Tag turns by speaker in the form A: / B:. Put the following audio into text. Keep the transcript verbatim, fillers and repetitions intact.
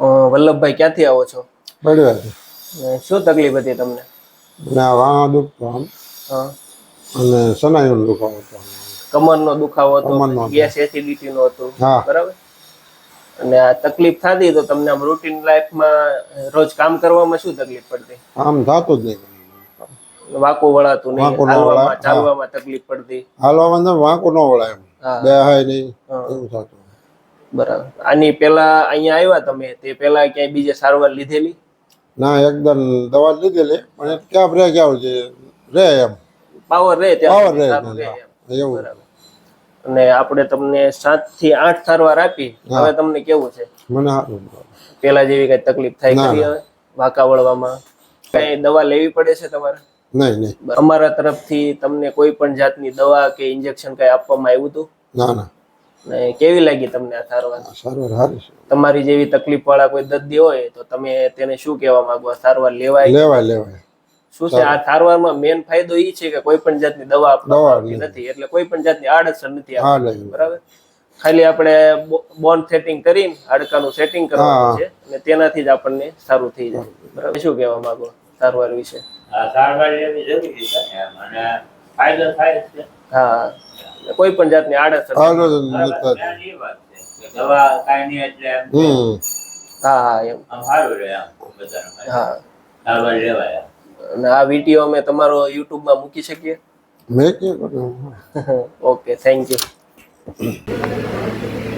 A: વલ્લભભાઈ ક્યાંથી આવો છો?
B: બળવાથી.
A: શું તકલીફ હતી તમને?
B: ના વાહ દુખતો આમ
A: હા
B: અને સનાઈનો દુખાવો હતો.
A: કમરનો દુખાવો હતો,
B: કમરનો હતો.
A: ગેસ એસિડિટી નો હતો,
B: હા
A: બરાબર. અને આ તકલીફ થતી તો તમને આમ રૂટીન લાઈફમાં રોજ કામ કરવામાં શું તકલીફ પડતી?
B: આમ થતું જ નહીં.
A: વાંકું વળાતું નહીં,
B: વાંકું ન વળાય.
A: હાલવામાં
B: હા
A: ચાલવામાં તકલીફ પડતી.
B: હાલવામાં તો વાંકું ન વળાય એમ
A: હા
B: બેહાય નહીં
A: હા
B: એવું થતું.
A: બરાબર. આની પેલા અહીંયા આવ્યા તમે તે પેલા ક્યાંય બીજે સારવાર લીધેલી?
B: ના એકદમ દવા લીધેલી પણ એ ક્યાં રે ક્યાં છે રે એમ
A: પાવર રહે
B: પાવર
A: ત્યાં
B: રે
A: સારું રહે એમ,
B: એવું.
A: બરાબર. અને આપણે તમને સાત થી આઠ સારવાર આપી,
B: હા
A: હવે તમને કેવું છે?
B: મને સારું.
A: પેલા જેવી કઈ તકલીફ થાય
B: ના
A: ખરી?
B: ના
A: હવે વાંકા વળવામાં કઈ દવા લેવી પડે છે તમારે?
B: નહીં નહીં.
A: અમારા તરફથી તમને કોઈ પણ જાતની દવા કે ઇન્જેક્શન કઈ આપવામાં આવ્યું હતું?
B: ના ના.
A: ને કેવી લાગી તમને આ સારવાર?
B: સારવાર સારી છે.
A: તમારી જેવી તકલીફ વાળા કોઈ દર્દી હોય તો તમે તેને શું કહેવા માંગો? સારવાર લેવાય?
B: લેવાય લેવાય.
A: શું છે આ સારવારમાં મેન ફાયદો એ છે કે કોઈ પણ જાતની દવા આપવામાં આવતી નથી, એટલે કોઈ પણ જાતની આડઅસર નથી આવતી, બરાબર. ખાલી આપણે બોન સેટિંગ કરીને હાડકાનું સેટિંગ કરવાનું છે અને તેનાથી જ આપણને સારું થઈ જાય, બરાબર. શું કહેવા માંગો સારવાર વિશે?
C: સારવાર લેવી જરૂરી છે અને ફાયદો થાય છે.
A: હા, કોઈ પણ જાતની આડઅસર
C: દવા કાંઈ નહીં એટલે
A: હા હા એમ
C: આમ સારું રહે આમ બધાને.
A: હા
C: સારવાર લેવાય.
A: અને આ વિડીયો અમે તમારો યુટ્યુબમાં મૂકી શકીએ?
B: મેં ક્યાં કર્યું?
A: Okay, thank you.